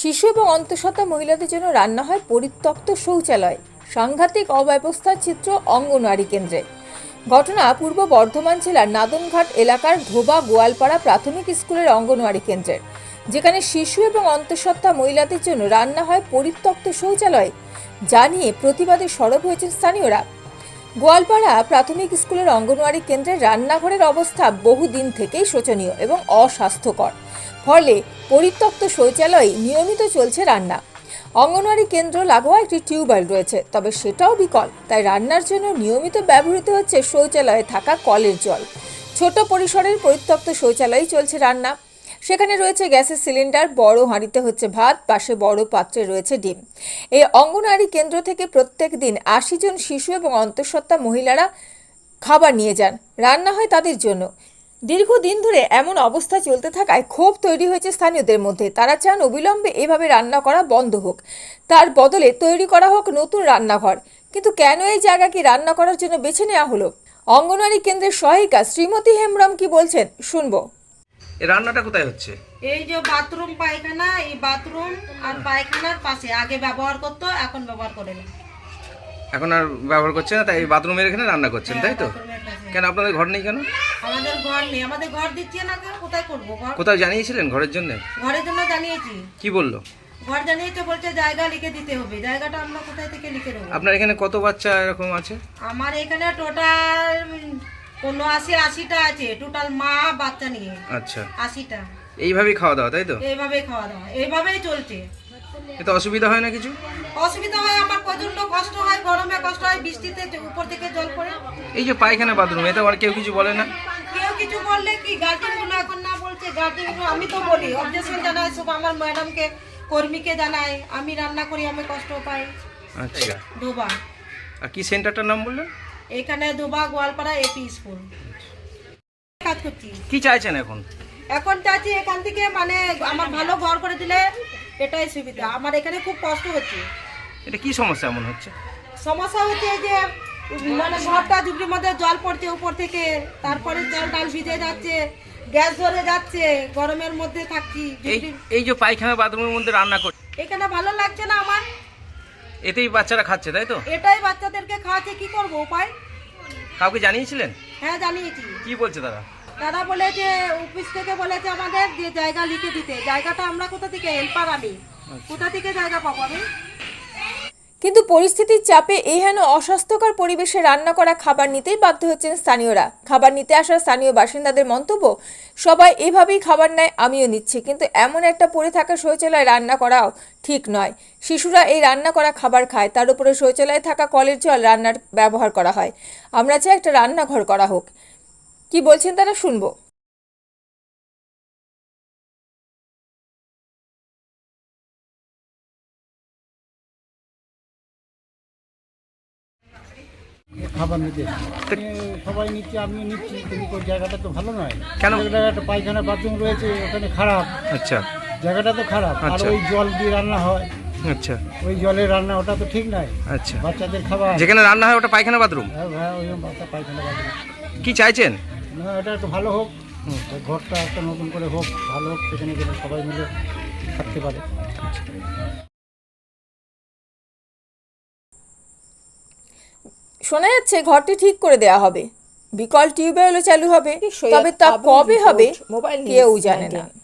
শিশু এবং অন্তঃসত্ত্বা মহিলাদের জন্য রান্না হয় পরিত্যক্ত শৌচালয়। সাংঘাতিক অব্যবস্থার চিত্র অঙ্গনওয়াড়ি কেন্দ্রে। ঘটনা পূর্ব বর্ধমান জেলার নাদনঘাট এলাকার ধোবা গোয়ালপাড়া প্রাথমিক স্কুলের অঙ্গনওয়াড়ি কেন্দ্রের, যেখানে শিশু এবং অন্তঃসত্ত্বা মহিলাদের জন্য রান্না হয় পরিত্যক্ত শৌচালয়। যা নিয়ে প্রতিবাদে সরব হয়েছেন স্থানীয়রা। গোয়ালপাড়া প্রাথমিক স্কুলের অঙ্গনওয়াড়ি কেন্দ্রের রান্নাঘরের অবস্থা বহুদিন থেকেই শোচনীয় এবং অস্বাস্থ্যকর। ফলে পরিত্যক্ত শৌচালয়ে নিয়মিত চলছে রান্না। অঙ্গনওয়াড়ি কেন্দ্র লাগোয়া একটি টিউবওয়েল রয়েছে, তবে সেটাও বিকল। তাই রান্নার জন্য নিয়মিত ব্যবহৃত হচ্ছে শৌচালয়ে থাকা কলের জল। ছোট পরিসরের পরিত্যক্ত শৌচালয়ে চলছে রান্না। সেখানে রয়েছে গ্যাসের সিলিন্ডার, বড় হাঁড়িতে হচ্ছে ভাত, পাশে বড় পাত্রে রয়েছে ডিম। এই অঙ্গনওয়াড়ি কেন্দ্র থেকে প্রত্যেক দিন ৮০ জন শিশু এবং অন্তঃসত্ত্বা মহিলারা খাবার নিয়ে যান। রান্না হয় তাদের জন্য। দীর্ঘদিন ধরে এমন অবস্থা চলতে থাকায় ক্ষোভ তৈরি হয়েছে স্থানীয়দের মধ্যে। তারা চান অবিলম্বে এভাবে রান্না করা বন্ধ হোক, তার বদলে তৈরি করা হোক নতুন রান্নাঘর। কিন্তু কেন এই জায়গাকে রান্না করার জন্য বেছে নেওয়া হলো? অঙ্গনওয়াড়ি কেন্দ্রের সহায়িকা শ্রীমতী হেমব্রম কি বলছেন শুনবো। এই রান্নাটা কোথায় হচ্ছে? এই যে বাথরুম পায়খানা, এই বাথরুম আর পায়খানার পাশে আগে ব্যবহার করতো, এখন ব্যবহার করে না। এখন আর ব্যবহার করছে না, তাই এই বাথরুমের এখানে রান্না করছেন, তাই তো? বাথরুমের পাশে। কেন আপনাদের ঘর নেই কেন? আমাদের ঘর নেই, আমাদের ঘর দিচ্ছে না, কেন কোথায় করবো ঘর? কোথাও জানিয়েছিলেন ঘরের জন্য? ঘরের জন্য জানিয়েছি। কি বললো? ঘর জানিয়েছে, বলছে জায়গা লিখে দিতে হবে। জায়গাটা আমরা কোথায় থেকে লিখে দেবো? আপনার এখানে কত বাচ্চা এরকম আছে? আমার এখানে টোটাল ৭৯-৮০টা আছে, টোটাল মা বাচ্চা নিয়ে। আচ্ছা, ৮০টা। এইভাবেই খাওয়া দাওয়া, তাই তো? এইভাবেই খাওয়া দাওয়া, এইভাবেই চলছে। এতে অসুবিধা হয় না কিছু? অসুবিধা হয়, আমার প্রচন্ড কষ্ট হয়, গরমে কষ্ট হয়, বৃষ্টিতে উপর থেকে জল পড়ে। এই যে পায়খানা বাথরুম, এতে আর কেউ কিছু বলে না? কেউ কিছু বললে কি, গার্জেন গুলো এখন না বলছে, গার্জেন গুলো আমি তো বলি, অবজেকশন জানাই সব, আমার ম্যাডামকে, কর্মীকে জানাই, আমি রান্না করি, আমি কষ্ট পাই। আচ্ছা, ধোবা। আর কি সেন্টারটার নাম বললেন? এখানে ধোবা গোয়ালপাড়া এপি স্কুল কাজ করছি। কি চাইছেন এখন? এখন চাচ্ছি এখান থেকে মানে আমার ভালো ঘর করে দিলে এটাই সুবিধা। আমার এখানে খুব কষ্ট হচ্ছে। এটা কি সমস্যা এমন হচ্ছে? সমস্যা হচ্ছে এই যে মানে ঘরটা ঝুঁকির মধ্যে জল পড়ছে উপর থেকে, তারপরে জল ডাল ভিজে যাচ্ছে, গ্যাস ধরে যাচ্ছে, গরমের মধ্যে থাকছি। এই যে পায়খানা বাথরুমের মধ্যে রান্না করছে, এখানে ভালো লাগছে না আমার। এতেই বাচ্চারা খাচ্ছে, তাই তো? এটাই বাচ্চাদেরকে খাওয়াচ্ছে, কি করবো উপায়? কাউকে জানিয়েছিলেন? হ্যাঁ জানিয়েছি। কি বলছে তারা? তারা বলেছে অফিস থেকে বলেছে আমাদের যে জায়গা লিখে দিতে। জায়গাটা আমরা কোথা থেকে, হেল্পার আমি কোথা থেকে জায়গা পাবো আমি? কিন্তু পরিস্থিতির চাপে এই হেন অস্বাস্থ্যকর পরিবেশে রান্না করা খাবার নিতেই বাধ্য হচ্ছেন স্থানীয়রা। খাবার নিতে আসা স্থানীয় বাসিন্দাদের মন্তব্য, সবাই এভাবেই খাবার নেয়, আমিও নিচ্ছি, কিন্তু এমন একটা পড়ে থাকা শৌচালয়ে রান্না করাও ঠিক নয়। শিশুরা এই রান্না করা খাবার খায়, তার উপরে শৌচালয়ে থাকা কলের জল রান্নার ব্যবহার করা হয়। আমরা চাই একটা রান্নাঘর করা হোক। কি বলছেন তারা শুনবো। খাবার নিতে সবাই নিচ্ছে, আমিও নিচ্ছি, কিন্তু ওই জায়গাটা তো ভালো নয়। কেন? একটা পায়খানা বাথরুম রয়েছে, ওখানে খারাপ। আচ্ছা, জায়গাটা তো খারাপ। আর আচ্ছা। ওই জল দিয়ে রান্না হয়, আচ্ছা, ওই জলের রান্না, ওটা তো ঠিক নয়। আচ্ছা। বাচ্চাদের খাবার, যেখানে রান্না হয় ওটা পায়খানা বাথরুম? হ্যাঁ ওই বাচ্চা পায়খানা বাথরুম। কি চাইছেন? না, এটা একটু ভালো হোক, ওই ঘরটা একটা নতুন করে হোক, ভালো হোক, সেখানে গেলে সবাই মিলে থাকতে পারে। শোনা যাচ্ছে ঘরটি ঠিক করে দেওয়া হবে, বিকল টিউবওয়েলও চালু হবে, তবে তা কবে হবে কেউ জানে না।